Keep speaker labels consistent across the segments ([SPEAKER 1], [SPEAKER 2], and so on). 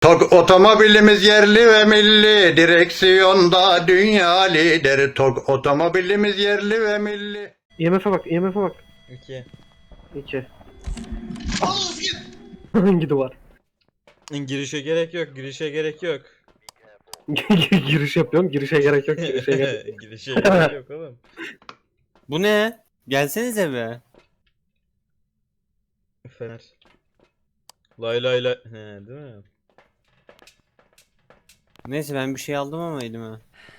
[SPEAKER 1] Tok otomobilimiz yerli ve milli, direksiyonda dünya lider. Tok otomobilimiz yerli ve milli.
[SPEAKER 2] IMF'e bak, IMF'e bak.
[SPEAKER 3] 2.
[SPEAKER 2] 2.
[SPEAKER 4] Al Özgür.
[SPEAKER 2] Hangi duvar?
[SPEAKER 3] Girişe gerek yok, girişe gerek yok.
[SPEAKER 2] Giriş yapıyorum, girişe gerek yok, girişe gerek yok.
[SPEAKER 3] Girişe gerek yok oğlum.
[SPEAKER 5] Bu ne? Gelsenize be.
[SPEAKER 3] Fener. Lay lay lay. He, değil mi?
[SPEAKER 5] Neyse ben bir şey aldım ama elime.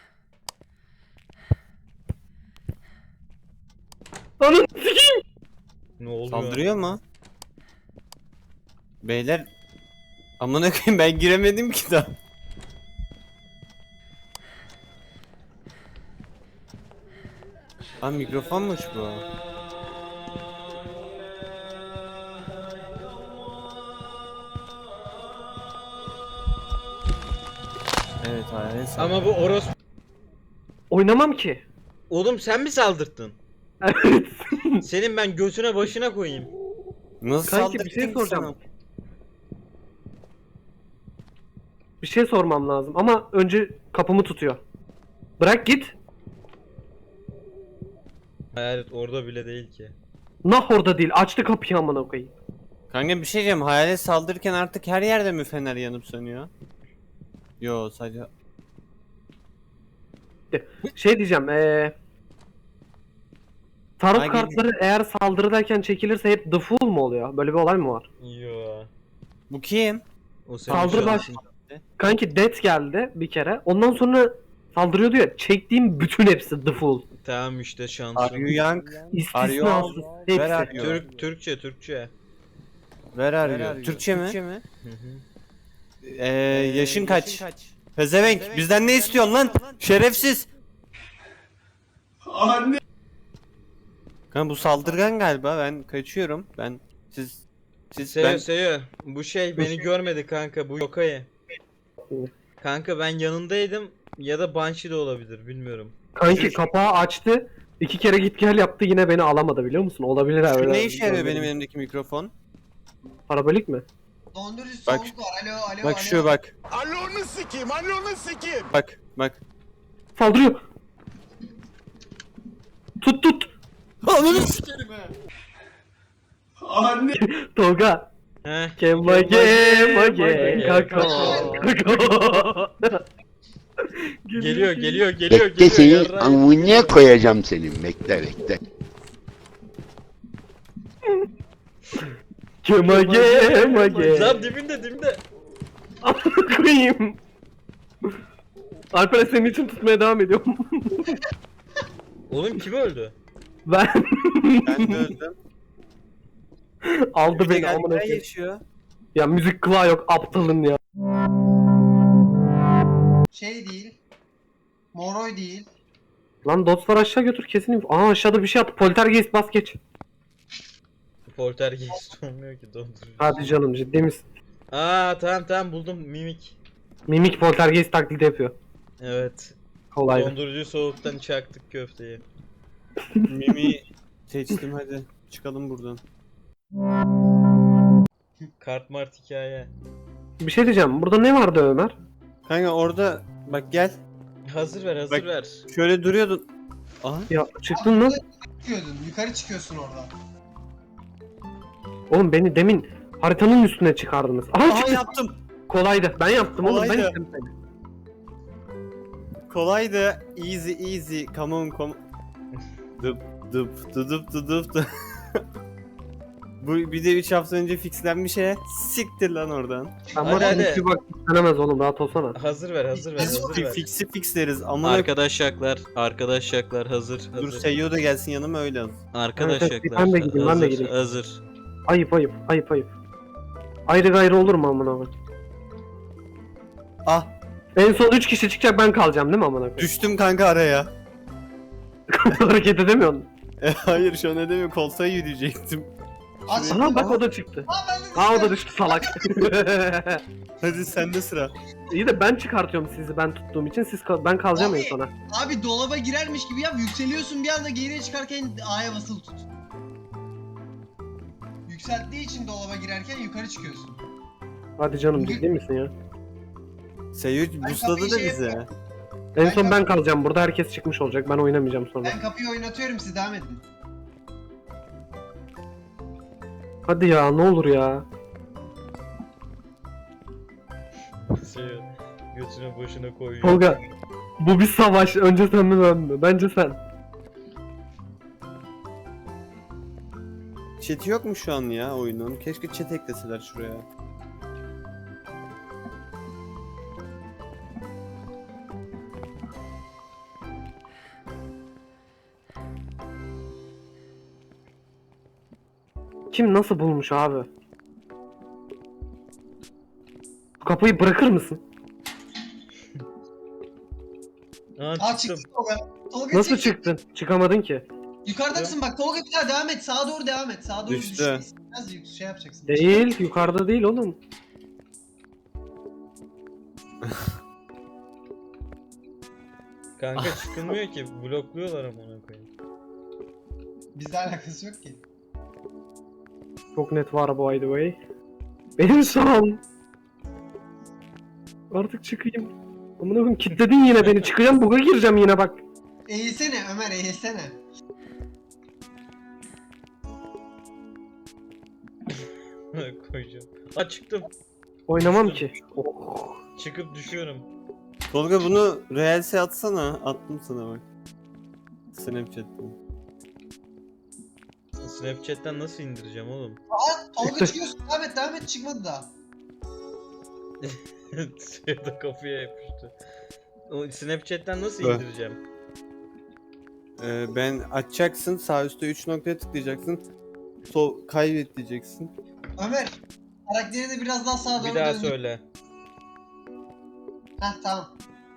[SPEAKER 2] Anam sikeyim!
[SPEAKER 3] Ne oluyor?
[SPEAKER 5] Saldırıyor mu? Beyler amına koyayım ben giremedim ki daha. Lan mikrofonmuş bu. Evet hayır.
[SPEAKER 3] Ama bu orospu.
[SPEAKER 2] Oynamam ki.
[SPEAKER 3] Oğlum sen mi saldırttın?
[SPEAKER 2] Evet.
[SPEAKER 3] Senin ben götüne başına koyayım.
[SPEAKER 5] Nasıl
[SPEAKER 2] Kanki bir şey
[SPEAKER 5] saldırdın ki
[SPEAKER 2] soracağım.
[SPEAKER 5] sana?
[SPEAKER 2] Bir şey sormam lazım ama önce kapımı tutuyor. Bırak git.
[SPEAKER 3] Evet orada bile değil ki.
[SPEAKER 2] Nah orada değil. Açtı kapıyı amına koyayım.
[SPEAKER 5] Kanka bir şey diyeceğim. Hayalet saldırırken artık her yerde mi fener yanıp sönüyor? Yo sadece...
[SPEAKER 2] Şey diyeceğim. Tarot
[SPEAKER 5] Hangi-
[SPEAKER 2] kartları eğer saldırıdayken çekilirse hep the fool mu oluyor? Böyle bir olay mı var?
[SPEAKER 3] Yo.
[SPEAKER 5] Bu kim?
[SPEAKER 3] O senin
[SPEAKER 2] Saldırı
[SPEAKER 3] şansın.
[SPEAKER 2] Kanki death geldi bir kere. Ondan sonra saldırıyordu ya. Çektiğim bütün hepsi the fool.
[SPEAKER 3] Tamam işte
[SPEAKER 5] Are
[SPEAKER 3] şansın.
[SPEAKER 5] you young?
[SPEAKER 2] İstisnasız.
[SPEAKER 5] Where are
[SPEAKER 2] Hepsi.
[SPEAKER 5] you?
[SPEAKER 3] Türkçe Türkçe.
[SPEAKER 5] Where are you? Türkçe mi?
[SPEAKER 3] Hı hı.
[SPEAKER 5] Yaşın kaç? Pezevenk bizden ne istiyorsun lan? Şerefsiz.
[SPEAKER 4] Anne.
[SPEAKER 5] Kanka bu saldırgan galiba ben kaçıyorum. Siz
[SPEAKER 3] Seyo
[SPEAKER 5] ben
[SPEAKER 3] Seyo. Bu şey beni görmedi kanka, bu Yokai. Kanka ben yanındaydım ya da Banshee de olabilir bilmiyorum.
[SPEAKER 2] Kanki kapağı açtı. 2 kere git gel yaptı yine beni alamadı biliyor musun? Olabilir
[SPEAKER 5] şu
[SPEAKER 2] öyle.
[SPEAKER 5] ne işe yarıyor benim elimdeki mikrofon?
[SPEAKER 2] Parabolik mi?
[SPEAKER 4] Dondurucu
[SPEAKER 5] Bak-
[SPEAKER 4] soğuk var. Alo alo
[SPEAKER 5] Bak
[SPEAKER 4] alo.
[SPEAKER 5] şu bak.
[SPEAKER 6] Alonu sikeyim, alonu sikeyim.
[SPEAKER 5] Bak.
[SPEAKER 2] Saldırıyor. Tut.
[SPEAKER 5] Ananı
[SPEAKER 4] Anne.
[SPEAKER 2] Tolga.
[SPEAKER 3] Heh.
[SPEAKER 2] Kemage kako.
[SPEAKER 3] Geliyor.
[SPEAKER 7] Bekle seni
[SPEAKER 3] yarrağı.
[SPEAKER 7] amına koyacağım senin. Bekle.
[SPEAKER 2] Kemage.
[SPEAKER 3] Lan dibinde.
[SPEAKER 2] Koyayım. Alper senin için tutmaya devam ediyorum.
[SPEAKER 3] Oğlum kim öldü?
[SPEAKER 2] Ben
[SPEAKER 5] Ben de öldüm.
[SPEAKER 2] aldı beni
[SPEAKER 5] Gel,
[SPEAKER 2] amına
[SPEAKER 5] gel
[SPEAKER 2] koyayım.
[SPEAKER 5] yaşıyor.
[SPEAKER 2] Ya müzik kulağı yok aptalın ya.
[SPEAKER 4] Şey değil. Moroy değil.
[SPEAKER 2] Lan dostlar aşağı götür kesin. Aa aşağıda bir şey at. Poltergeist bas geç.
[SPEAKER 3] Poltergeist olmuyor ki dondurucu.
[SPEAKER 2] Hadi canım ciddi misin?
[SPEAKER 3] Aa tamam buldum, mimik.
[SPEAKER 2] Mimik poltergeist taklidi yapıyor.
[SPEAKER 3] Evet.
[SPEAKER 2] Kolay.
[SPEAKER 3] Dondurucu soğuktan çaktık köfteyi.
[SPEAKER 5] Mimi seçtim hadi. Çıkalım buradan.
[SPEAKER 3] Kart mart hikaye.
[SPEAKER 2] Bir şey diyeceğim. Burada ne vardı Ömer?
[SPEAKER 5] Kanka orada bak gel.
[SPEAKER 3] Hazır ver
[SPEAKER 5] Bak.
[SPEAKER 3] ver.
[SPEAKER 5] Şöyle duruyordun. Aha.
[SPEAKER 2] Ya çıktın mı?
[SPEAKER 4] Çıkıyordun. Yukarı çıkıyorsun orada.
[SPEAKER 2] Oğlum beni demin haritanın üstüne çıkardınız. Aha,
[SPEAKER 5] Aha
[SPEAKER 2] çıktı.
[SPEAKER 5] yaptım.
[SPEAKER 2] Kolaydı. Ben yaptım oğlum. Ben
[SPEAKER 5] Kolaydı.
[SPEAKER 2] ittim seni.
[SPEAKER 5] Kolaydı. Easy. Come on. Dıp. Bu bir de 3 hafta önce fixlenmiş he. Siktir lan oradan.
[SPEAKER 2] Ama
[SPEAKER 3] Hadi, hadi.
[SPEAKER 2] hiçbir bak istenemez oğlum. Rahat olsana.
[SPEAKER 3] Hazır ver.
[SPEAKER 5] Biz fix'i fixleriz ama
[SPEAKER 3] Arkadaşlar hazır.
[SPEAKER 5] dur Seyyo da gelsin yanıma öyle al.
[SPEAKER 3] Arkadaşlar.
[SPEAKER 2] Ben de gideyim, ben de gideyim.
[SPEAKER 3] Hazır.
[SPEAKER 2] Ayıp. Ayrı gayrı olur mu amına koyayım?
[SPEAKER 5] Ah
[SPEAKER 2] En son 3 kişi çıkacak ben kalacağım değil mi amına koyayım?
[SPEAKER 5] düştüm kanka araya.
[SPEAKER 2] Hareket edemiyorsun.
[SPEAKER 5] Hayır şu an edemiyorum koltuğa yürüyecektim.
[SPEAKER 4] Aç.
[SPEAKER 2] Aha bak o da çıktı.
[SPEAKER 4] Aa ben de
[SPEAKER 2] Aa o da düştü salak.
[SPEAKER 5] Hadi sende sıra.
[SPEAKER 2] İyi de ben çıkartıyorum sizi ben tuttuğum için ben kalacağım en
[SPEAKER 4] Abi.
[SPEAKER 2] sona.
[SPEAKER 4] Abi dolaba girermiş gibi yap. Yükseliyorsun bir anda geriye çıkarken A'ya basılı tut. Yükselttiği için dolaba girerken yukarı çıkıyorsun.
[SPEAKER 2] Hadi canım ciddi misin ya?
[SPEAKER 5] Seyirci busladı da bize.
[SPEAKER 2] En son ben kalacağım burada, herkes çıkmış olacak. Ben oynamayacağım sonra.
[SPEAKER 4] Ben kapıyı oynatıyorum, siz devam edin.
[SPEAKER 2] Hadi ya, ne olur ya.
[SPEAKER 3] Seviyor. Götüne boşuna koyuyor.
[SPEAKER 2] Tolga, bu bir savaş. Önce sen mi ben mi? Bence sen.
[SPEAKER 5] Chat yok mu şu an ya oyunun? Keşke chat ekleseler şuraya.
[SPEAKER 2] Kim nasıl bulmuş abi? Kapıyı bırakır mısın?
[SPEAKER 3] Aa,
[SPEAKER 4] Aa
[SPEAKER 3] çıktım.
[SPEAKER 4] çıktı Tolga. Tolga
[SPEAKER 2] Nasıl
[SPEAKER 4] çıktı.
[SPEAKER 2] çıktın? Çıkamadın ki.
[SPEAKER 4] Yukarıdasın bak Tolga, bir daha devam et. Sağa doğru devam et. Sağa doğru
[SPEAKER 5] Düştü.
[SPEAKER 4] düşeceksin. Biraz şey yapacaksın.
[SPEAKER 2] Değil, yukarıda değil oğlum.
[SPEAKER 3] Kanka çıkılmıyor ki. Blokluyorlar ama ona koyayım.
[SPEAKER 4] Bizle alakası yok ki.
[SPEAKER 2] Çok net var by the way. Benim son. Artık çıkayım. Amına koyayım, kilitledin yine beni. Çıkacağım, buga gireceğim yine bak.
[SPEAKER 4] Eğilsene Ömer, eğilsene.
[SPEAKER 3] Koyacağım. Aa çıktım.
[SPEAKER 2] Oynamam ki. Oh.
[SPEAKER 3] Çıkıp düşüyorum.
[SPEAKER 5] Tolga bunu Reels'e atsana. Attım sana bak. Snapchat'ten.
[SPEAKER 3] Snapchat'ten nasıl indireceğim oğlum?
[SPEAKER 4] Tolga çıkıyorsun, devam et, çıkmadı daha.
[SPEAKER 3] Suya da kafaya yapıştı. O Snapchat'ten nasıl
[SPEAKER 5] Evet.
[SPEAKER 3] indireceğim?
[SPEAKER 5] Ben açacaksın. Sağ üstte 3 noktaya tıklayacaksın. Sol kaydet diyeceksin.
[SPEAKER 4] Ömer, karakteri de biraz daha sağa doğru
[SPEAKER 3] Bir daha
[SPEAKER 4] döndür.
[SPEAKER 3] söyle.
[SPEAKER 4] Heh tamam.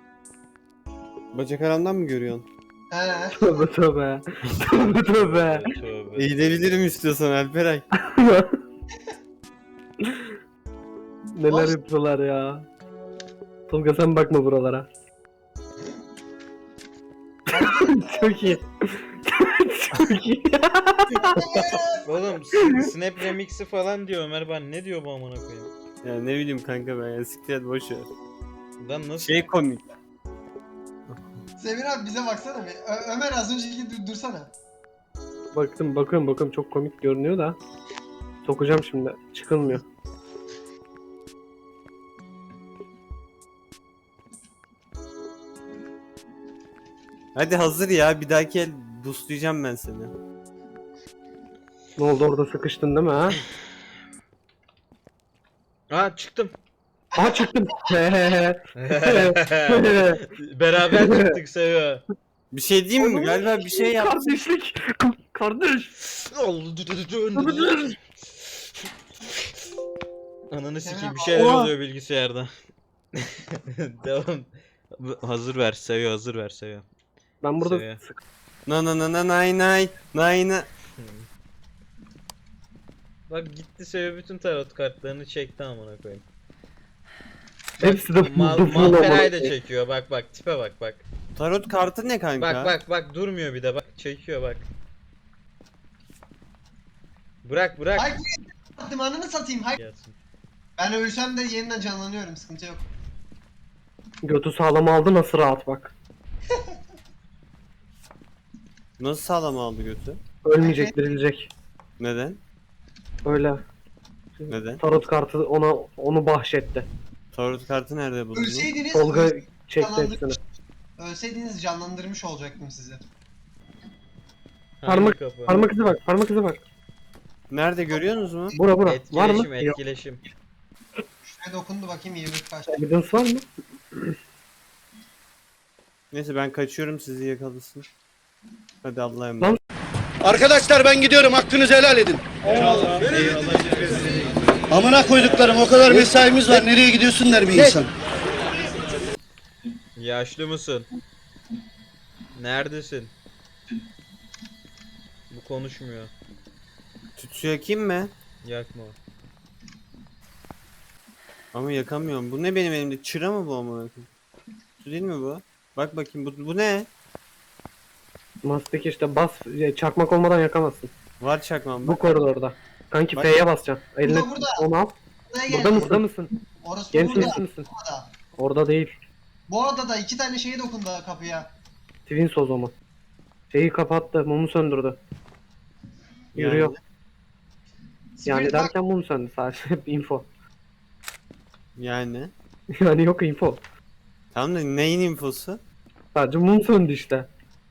[SPEAKER 5] Bacak aramdan mı görüyorsun?
[SPEAKER 4] He.
[SPEAKER 2] Tövbe tövbe. Tövbe tövbe.
[SPEAKER 3] Tövbe.
[SPEAKER 5] Eğilebilirim istiyorsan Alperay.
[SPEAKER 2] Neler
[SPEAKER 4] Boş-
[SPEAKER 2] yapıyorlar ya. Tolga sen bakma buralara. Çok iyi. Çok iyi.
[SPEAKER 3] Oğlum Snap Remix'i falan diyor Ömer, ben ne diyor bu amına koyayım?
[SPEAKER 5] Ya ne bileyim kanka ben ya siktir et boş ver.
[SPEAKER 3] Lan nasıl?
[SPEAKER 5] Şey komik.
[SPEAKER 4] Semir abi bize baksana bir. Ömer az önceki dursana.
[SPEAKER 2] Bakıyorum çok komik görünüyor da. Sokacağım şimdi. Çıkılmıyor.
[SPEAKER 5] Hadi hazır ya bir dahaki el boostlayacağım ben seni.
[SPEAKER 2] Ne oldu, orada sıkıştın değil mi ha?
[SPEAKER 3] Aa çıktım.
[SPEAKER 2] Aha çıktım.
[SPEAKER 3] Beraber çıktık Seviyor.
[SPEAKER 5] Bir şey diyeyim mi? Galiba bir şey yap.
[SPEAKER 2] Kardeşlik. Kardeş.
[SPEAKER 3] Ananı sikeyim, bir
[SPEAKER 4] Oha.
[SPEAKER 3] şeyler oluyor bilgisayarda. Devam. Hazır ver Seviyor, hazır ver Seviyor.
[SPEAKER 2] Ben burada
[SPEAKER 3] Seviye.
[SPEAKER 5] Na na na na nay nay nay na.
[SPEAKER 3] Bak gitti Seviyor, bütün tarot kartlarını çekti amına koyayım.
[SPEAKER 2] hepsi de
[SPEAKER 3] Malferay da çekiyor, bak tipe bak.
[SPEAKER 5] Tarot kartı ne kanka?
[SPEAKER 3] Bak durmuyor bir de, bak çekiyor bak. Bırak.
[SPEAKER 4] Hay attım, ananı satayım. Hay.
[SPEAKER 3] Gelsin.
[SPEAKER 4] Ben ölsem de yeniden canlanıyorum, sıkıntı yok.
[SPEAKER 2] Götü sağlam aldı, nasıl rahat bak.
[SPEAKER 5] Nasıl sağlam aldı götü?
[SPEAKER 2] Ölmeyecek, dirilecek.
[SPEAKER 5] Neden?
[SPEAKER 2] Öyle.
[SPEAKER 5] Neden?
[SPEAKER 2] Tarot kartı onu bahşetti.
[SPEAKER 5] Tarot kartı nerede buldun?
[SPEAKER 4] Ölseydiniz,
[SPEAKER 2] Tolga çekti hepsini.
[SPEAKER 4] ölseydiniz canlandırmış olacaktım sizi.
[SPEAKER 2] Parmak-
[SPEAKER 3] Hangi kapı?
[SPEAKER 2] Parmak izi bak.
[SPEAKER 5] Nerede görüyorsunuz mu?
[SPEAKER 2] Bura. Var mı? Yok.
[SPEAKER 3] Etkileşim.
[SPEAKER 4] Şuraya dokundu bakayım, 20 kaç.
[SPEAKER 2] Evidence var mı?
[SPEAKER 5] Neyse ben kaçıyorum sizi yakalasın. Hadi Allah'a
[SPEAKER 2] Lan-
[SPEAKER 5] emanet.
[SPEAKER 8] Arkadaşlar ben gidiyorum, hakkınızı helal edin. Amına koyduklarım, o kadar mesaimiz var, nereye gidiyorsun der bir insan.
[SPEAKER 3] Yaşlı mısın? Neredesin? Bu konuşmuyor.
[SPEAKER 5] Tütsü yakayım mı?
[SPEAKER 3] Yakma.
[SPEAKER 5] Ama yakamıyorum. Bu ne benim elimde? Çıra mı bu amına koyayım? Tütsü değil mi bu? Bak bakayım bu ne?
[SPEAKER 2] Mastik işte bas, çakmak olmadan yakamazsın.
[SPEAKER 5] Var çakmam
[SPEAKER 2] Bu
[SPEAKER 5] bak.
[SPEAKER 2] koridorda. Kanki
[SPEAKER 5] Bak.
[SPEAKER 2] F'ye basacaksın. Eline
[SPEAKER 4] Burada.
[SPEAKER 2] onu al.
[SPEAKER 4] Buraya
[SPEAKER 2] Burada mısın?
[SPEAKER 4] Orası
[SPEAKER 2] Genç
[SPEAKER 4] burada.
[SPEAKER 2] misin?
[SPEAKER 4] Burada.
[SPEAKER 2] Orada değil.
[SPEAKER 4] Bu arada da 2 tane şeye dokundu kapıya.
[SPEAKER 2] Twins o zaman. Şeyi kapattı. Mumu söndürdü. Yürüyor. Yani
[SPEAKER 4] Spirit bak,
[SPEAKER 2] derken mum söndü sadece. Info.
[SPEAKER 5] Yani.
[SPEAKER 2] Yani yok info.
[SPEAKER 5] Tamam da neyin infosu?
[SPEAKER 2] Sadece mum söndü işte.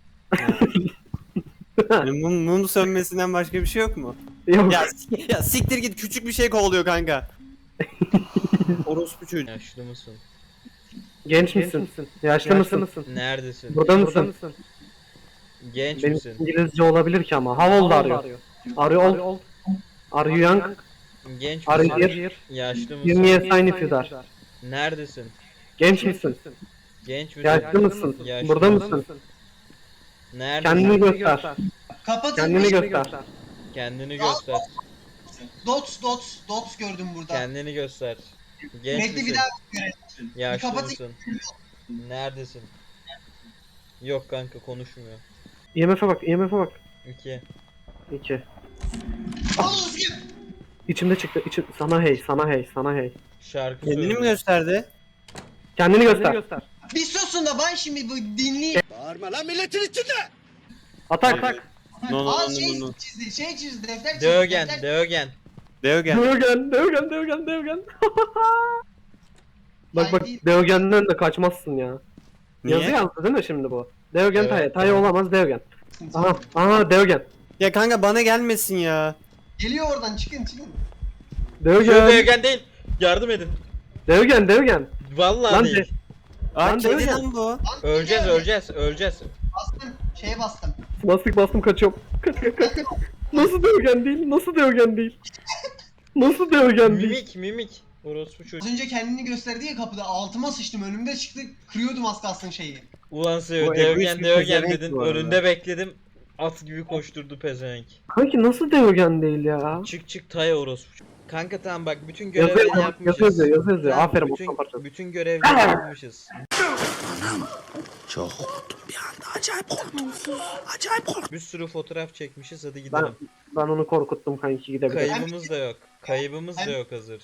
[SPEAKER 5] Yani mum sönmesinden başka bir şey yok mu?
[SPEAKER 2] Yok.
[SPEAKER 5] Ya siktir git, küçük bir şey kovalıyor kanka. Orospu çocuğu.
[SPEAKER 3] Yaşlı mısın?
[SPEAKER 2] Genç misin? Yaşlı mısın?
[SPEAKER 3] Neredesin?
[SPEAKER 2] Burada mısın?
[SPEAKER 3] Genç
[SPEAKER 2] Benim
[SPEAKER 3] misin?
[SPEAKER 2] İngilizce olabilir ki ama. How old are you? Are you old? Are you young?
[SPEAKER 3] Genç
[SPEAKER 2] Are
[SPEAKER 3] misin?
[SPEAKER 2] you here?
[SPEAKER 3] Yaşlı
[SPEAKER 2] Give
[SPEAKER 3] mısın?
[SPEAKER 2] me a sign if you are.
[SPEAKER 3] Neredesin?
[SPEAKER 2] Genç misin?
[SPEAKER 3] Genç misin?
[SPEAKER 2] Yaşlı mısın?
[SPEAKER 3] Yaşlı
[SPEAKER 2] Burada
[SPEAKER 3] mısın?
[SPEAKER 2] mısın?
[SPEAKER 3] Neredesin?
[SPEAKER 2] Kendini göster.
[SPEAKER 4] kapatın.
[SPEAKER 2] Kendini göster.
[SPEAKER 3] Kendini göster.
[SPEAKER 4] Dots gördüm burada.
[SPEAKER 3] Kendini göster. Genç
[SPEAKER 4] Bekle bir
[SPEAKER 3] misin?
[SPEAKER 4] daha görelim.
[SPEAKER 3] Yaşlı
[SPEAKER 4] kapatın.
[SPEAKER 3] mısın? Neredesin? Yok kanka konuşmuyor.
[SPEAKER 2] IMF'e bak, IMF'e bak.
[SPEAKER 3] 2.
[SPEAKER 2] 2.
[SPEAKER 4] Oğlum kim?
[SPEAKER 2] İçimde çıktı. Sana hey, sana hey, sana hey.
[SPEAKER 3] Şarkı
[SPEAKER 5] Kendini
[SPEAKER 3] söylüyor.
[SPEAKER 5] mi gösterdi?
[SPEAKER 2] Kendini göster.
[SPEAKER 4] Bir susun da ben şimdi bu dinleyeyim.
[SPEAKER 8] Bağırma lan milletin içinde.
[SPEAKER 2] Atak.
[SPEAKER 5] No no
[SPEAKER 4] Aa
[SPEAKER 5] no
[SPEAKER 4] şey
[SPEAKER 5] no no.
[SPEAKER 4] çizdi, defter çizdi.
[SPEAKER 3] Dögen,
[SPEAKER 4] defter-
[SPEAKER 3] Dögen.
[SPEAKER 5] Deogen.
[SPEAKER 2] Dövgen. Bak
[SPEAKER 4] Ay, değil.
[SPEAKER 2] Dövgen'den de kaçmazsın ya.
[SPEAKER 5] Niye?
[SPEAKER 2] Yazı yazdı değil mi şimdi bu? Dövgen
[SPEAKER 3] Evet,
[SPEAKER 2] Taye. Taye
[SPEAKER 3] tamam.
[SPEAKER 2] olamaz Dövgen. Aha Dövgen.
[SPEAKER 5] Ya kanka bana gelmesin ya.
[SPEAKER 4] Geliyor oradan çıkın.
[SPEAKER 3] Şu
[SPEAKER 2] Dövgen.
[SPEAKER 3] Dögen değil. Yardım edin.
[SPEAKER 2] Dövgen.
[SPEAKER 3] Vallahi
[SPEAKER 2] Lan
[SPEAKER 3] değil.
[SPEAKER 5] Aa
[SPEAKER 2] Lan
[SPEAKER 5] kedi
[SPEAKER 2] Deogen.
[SPEAKER 5] lan bu.
[SPEAKER 3] Öleceğiz.
[SPEAKER 4] Bastım. Şeye bastım.
[SPEAKER 2] Bastım kaçıyorum. Kaç. Nasıl Dövgen değil? Nasıl Dövgen değil? Nasıl Dövgen değil?
[SPEAKER 3] Mimik. Orospu
[SPEAKER 4] Az
[SPEAKER 3] çocuğu.
[SPEAKER 4] önce kendini gösterdi ya kapıda. Altıma sıçtım. Önümde çıktı. Kırıyordum az kalsın şeyi.
[SPEAKER 3] Ulan
[SPEAKER 5] Bu
[SPEAKER 3] seviyor.
[SPEAKER 5] egoist bir
[SPEAKER 3] Dögen
[SPEAKER 5] pezevenk
[SPEAKER 3] dedin.
[SPEAKER 5] bu arada.
[SPEAKER 3] Önünde bekledim. At gibi koşturdu pezevenk.
[SPEAKER 2] Kanki nasıl Dövgen değil ya?
[SPEAKER 3] Çık Tay orospu. Kanka tamam bak bütün
[SPEAKER 2] Yazıyor,
[SPEAKER 3] görevleri yapmışız.
[SPEAKER 2] yazıyor.
[SPEAKER 3] Tamam,
[SPEAKER 2] Aferin
[SPEAKER 3] bütün,
[SPEAKER 2] Osman parçası.
[SPEAKER 3] bütün görevleri yapmışız.
[SPEAKER 8] Çok korktum bir anda. Acayip korktum. Acayip korktum.
[SPEAKER 3] Bir sürü fotoğraf çekmişiz. Hadi
[SPEAKER 2] Ben,
[SPEAKER 3] gidelim.
[SPEAKER 2] ben onu korkuttum kanki gidebilirim.
[SPEAKER 3] Kaybımız da yok. Kaybımız da yok hazır.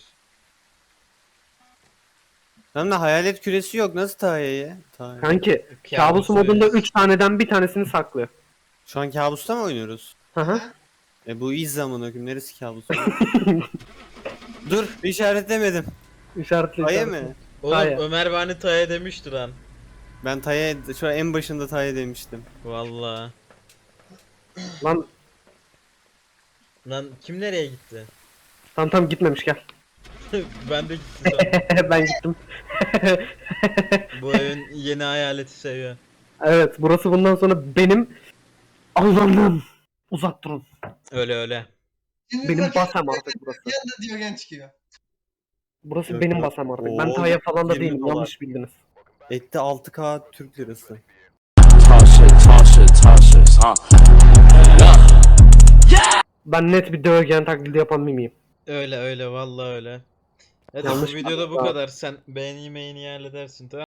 [SPEAKER 5] Tamam da hayalet küresi yok. Nasıl Tayya'ya? Tayya'ya.
[SPEAKER 2] Kanki kabus modunda
[SPEAKER 3] oynuyoruz.
[SPEAKER 2] 3 taneden bir tanesini saklıyor.
[SPEAKER 5] Şu an kabusta mı oynuyoruz?
[SPEAKER 2] Hı hı.
[SPEAKER 5] Bu iz zamanı hüküm. Neresi kabus? Dur işaretlemedim.
[SPEAKER 2] İşaretli.
[SPEAKER 5] Tayya mı?
[SPEAKER 3] Oğlum
[SPEAKER 2] Taya.
[SPEAKER 3] Ömer bana Taya demişti lan.
[SPEAKER 5] Ben Tayya şu an en başında Tayya demiştim.
[SPEAKER 3] Vallahi.
[SPEAKER 2] Lan
[SPEAKER 3] Lan kim nereye gitti?
[SPEAKER 2] tamam gitmemiş gel.
[SPEAKER 3] Ben de gittim sonra.
[SPEAKER 2] Ben gittim.
[SPEAKER 3] Bu evin yeni hayaleti seviyor.
[SPEAKER 2] Evet burası bundan sonra benim Allah'ım. Uzak durun.
[SPEAKER 3] Öyle.
[SPEAKER 4] Şimdi
[SPEAKER 2] Benim
[SPEAKER 4] bakıyorum,
[SPEAKER 2] basam artık burası.
[SPEAKER 4] Bir anda Diyogen çıkıyor.
[SPEAKER 2] Burası
[SPEAKER 5] Yok,
[SPEAKER 2] benim
[SPEAKER 5] yok.
[SPEAKER 2] basam artık.
[SPEAKER 5] Oo,
[SPEAKER 2] Ben Taya falan da
[SPEAKER 5] 20
[SPEAKER 2] değilim.
[SPEAKER 5] dolar.
[SPEAKER 2] Yanlış bildiniz.
[SPEAKER 5] Etti 6K Türk lirası.
[SPEAKER 2] Ben net bir dövgen taklidi yapan mimiyim.
[SPEAKER 3] Öyle vallahi öyle. Hadi
[SPEAKER 2] Yanlış
[SPEAKER 3] bu videoda bu
[SPEAKER 2] anladım.
[SPEAKER 3] kadar. Sen beğeni halledersin tamam.